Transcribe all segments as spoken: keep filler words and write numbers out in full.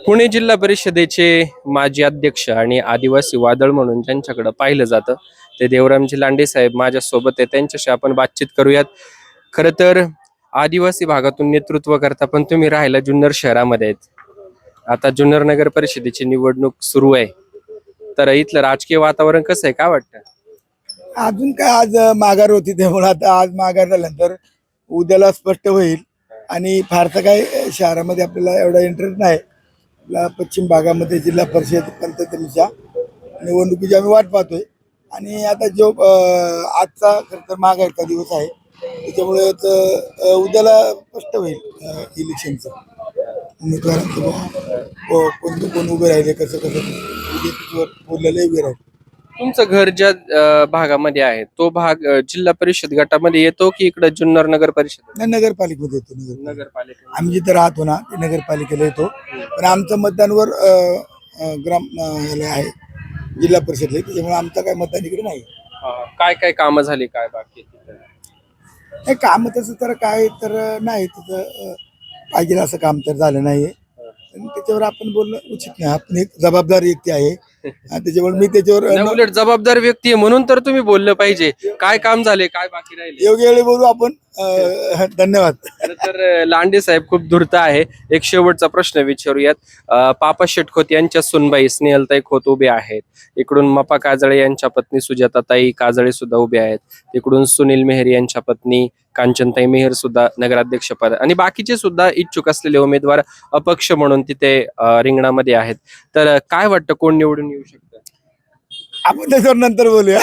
पुणे जिल्हा परिषदेचे माजी अध्यक्ष आणि आदिवासी वादळ म्हणून ज्यांच्याकडे पाहिलं जातं ते देवरामजी लांडे साहेब माझ्या सोबत आहे. त्यांच्याशी आपण बातचीत करूयात. खरं तर आदिवासी भागातून नेतृत्व करता, पण तुम्ही राहायला जुन्नर शहरामध्ये आहेत. आता जुन्नर नगर परिषदेची निवडणूक सुरू आहे, तर इथलं राजकीय वातावरण कसं आहे, काय वाटतं? अजून काय आज माघार होती, त्यामुळे आता आज माघार झाल्यानंतर उद्याला स्पष्ट होईल. आणि फारसं काय शहरामध्ये आपल्याला एवढा इंटरेस्ट नाही. आपल्या पश्चिम भागामध्ये जिल्हा परिषद पंचायतीच्या निवडणुकीची आम्ही वाट पाहतोय. आणि आता जो अं, आजचा खरं तर माघारचा दिवस आहे, त्याच्यामुळे त- अं, उद्याला स्पष्ट होईल अं, इलेक्शनचं उमेदवारांचं बुवा, को- कोण कोण उभे राहिले, कसं कसं बीजेपीवर बोललेले उभे राहिले. तुमचं घर ज्या अं, भागामध्ये आहे तो भाग अं, जिल्हा परिषद गटामध्ये येतो की इकडे जुन्नर नगर परिषद नाही, नगरपालिकेमध्ये येतो. नगर नगरपालिका? आम्ही जिथे राहतो ना ते नगरपालिकेला येतो, पण आमचं मतदानवर अ, अ, ग्राम अ, याला आहे जिल्हा परिषदला, त्याच्यामुळे आमचं काय मतदान इकडे नाही. हा, काय काय कामं झाली, काय बाकी आहे तिथं? नाही, काम तसं तर काय तर नाही तिथं अ, पाहिजे असं काम तर झालं नाही. आणि त्याच्यावर आपण बोलणं उचित नाही. आपण एक जबाबदार व्यक्ती आहे आणि त्याच्यामुळे मी त्याच्यावर नाही, उलट जबाबदार व्यक्ती आहे म्हणून तर तुम्ही बोललं पाहिजे. काय काम झाले, काय बाकी राहिले? योग्य वेळी बोलू आपण. अ, धन्यवाद. खरं तर अं, लांडे साहेब खूप धूर्त आहे. एक शेवटचा प्रश्न विचारूयात. अं, पापा शेटखोत यांच्या सुनबाई स्नेहलताई खोत उभे आहेत. इकडून मपा काजळे यांच्या पत्नी सुजाताताई काजळे सुद्धा उभे आहेत. इकडून सुनील मेहर यांच्या पत्नी कांचनताई मेहर सुद्धा नगराध्यक्ष पद आणि बाकीचे सुद्धा इच्छुक असलेले उमेदवार अपक्ष म्हणून तिथे अं, रिंगणामध्ये आहेत. तर अं, काय वाटतं, कोण निवडून येऊ शकतं? आपण त्याच्यावर नंतर बोलूया.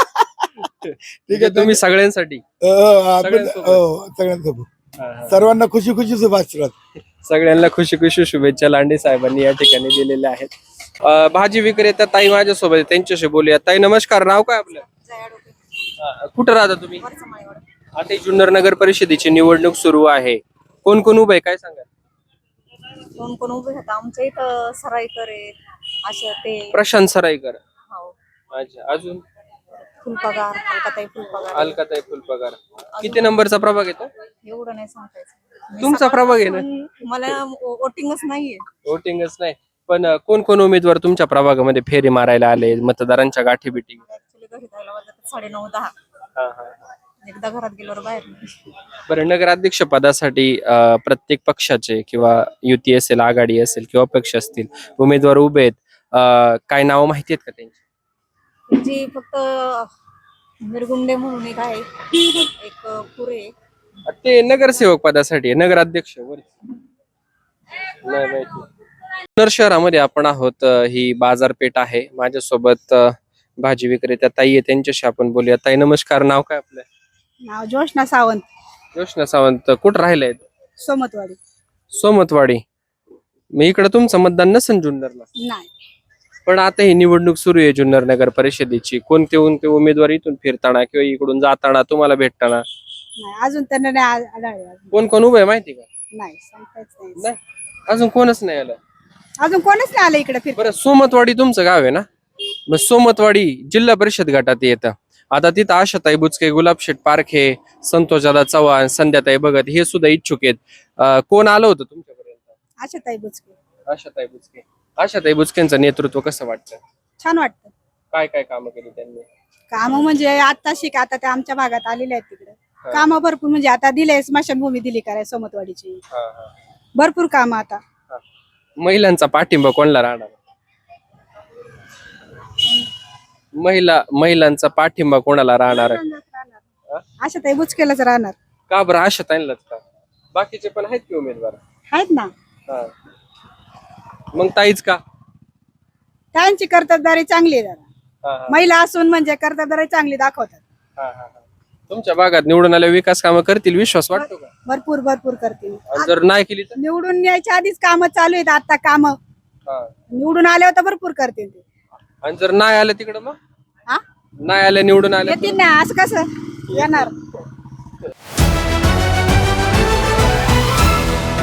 ठीक आहे, तुम्ही सगळ्यांसाठी अ, आपण सगळ्यांसोबत. हो, सगळ्यांसोबत सर्वांना खुशी खुशी शुभाशीर्वाद. सगळ्यांना खुशी खुशी शुभेच्छा लांडे साहेबांनी या ठिकाणी दिलेल्या आहेत. अं, भाजी विक्रेता ताई माझ्यासोबत आहे, त्यांच्याशी बोलूया. ताई नमस्कार, नाव काय आपलं? अं, कुठं राहता तुम्ही? आता ही जुन्नर नगर परिषदेची निवडणूक सुरू आहे. कोण कोण उभं आहे, काय सांगा? कोण कोण उभे होता आमच्या इथं सराईकर आहेत, अशा ते प्रशांत सराईकर. हो, अच्छा, अजून? फुलपगार, अलकाताई फुलपगार. अलकाताई फुलपगार. किती नंबरचा प्रभाग येतो? एवढं नाही सांगतायचं. मी तुमचा प्रभाग आहे ना? सकाळपासून मला वोटिंगच नाहीये. वोटिंगच नाही, पण अं, कोण कोण उमेदवार तुमच्या प्रभागामध्ये फेरी मारायला आले, मतदारांच्या गाठी बिटी? ऍक्च्युली घरी जायला वाजतात साडे नऊ दहा. एकदा घरात गेल्यावर बाहेर नाही. बरं, नगराध्यक्ष पदासाठी अं, प्रत्येक पक्षाचे किंवा युती असेल, आघाडी असेल किंवा पक्ष असतील, उमेदवार उभे आहेत. अं, काय नावं माहिती आहेत का त्यांची? जी फक्त मिरगुंडे म्हणून एक आहे, एक पुरे. ते नगरसेवक पदासाठी आहे, नगराध्यक्ष वर नाही माहिती. जुन्नर शहरामध्ये आपण आहोत. अं, ही बाजारपेठ आहे. माझ्यासोबत अं, भाजी विक्रेत्या ताई आहे, त्यांच्याशी आपण बोलूया. ताई नमस्कार, नाव काय आपलं? नाव जोशना सावंत, योशना सावंत. कुठं राहिलाय? सोमतवाडी. सोमतवाडी. मी इकडे तुमचं मतदान नसेल जुन्नरला, नाही, पण आता ही निवडणूक सुरू आहे जुन्नर नगर परिषदेची. कोणते कोणते उमेदवार इथून फिरताना किंवा इकडून जाताना तुम्हाला भेटताना नाही अजून त्यांना नाही आ- आढळले अजून. कोण कोण उभे आहे माहिती का? नाही सांगताच नाही. नाही, अजून कोणच नाही आलं. अजून कोणच नाही आलं इकडे फिर. बरं, सोमतवाडी तुमचं गाव आहे ना? मग सोमतवाडी जिल्हा परिषद गटात येतं. आता तिथं आशाताई बुचके, गुलाबशेठ पारखे, संतोषदादा चव्हाण, संध्याताई भगत हे सुद्धा इच्छुक आहेत. अं, कोण आलं होतं तुमच्यापर्यंत? आशाताई बुचके. आशाताई बुचके. आशाताई बुचकेंचं नेतृत्व कसं वाटतं? छान वाटतं. काय काय कामं केली त्यांनी? काम म्हणजे आता शिक आता ते आमच्या भागात आलेले आहेत तिकडे. काम भरपूर म्हणजे आता दिले, स्मशानभूमी दिली कराय सोमतवाडीची. हा, हा, भरपूर काम आता. हा. महिलांचा पाठिंबा कोणाला राहणार? महिला महिलांचा पाठिंबा कोणाला राहणार? आशाताई बुचकेलाच राहणार. का बरं आशाताईंलाच का? बाकीचे पण आहेत की उमेदवार? आहेत ना. हा. मग ताईच का? त्यांची कर्तबदारी चांगली आहे जरा. हा, हा, महिला असून म्हणजे कर्तबदारी चांगली दाखवतात. हा, हा, हा. तुमच्या भागात निवडून आल्या विकास कामं करतील, विश्वास वाटतो का? भरपूर भरपूर करतील. आणि जर नाही केली तर? निवडून यायच्या आधीच काम चालू आहेत आता काम. हा. निवडून आल्यावर तर भरपूर करतील ते. आणि जर नाही आलं तिकडं मग? हा, नाही आलं, निवडून आलं येतील ना, असं कसं येणार?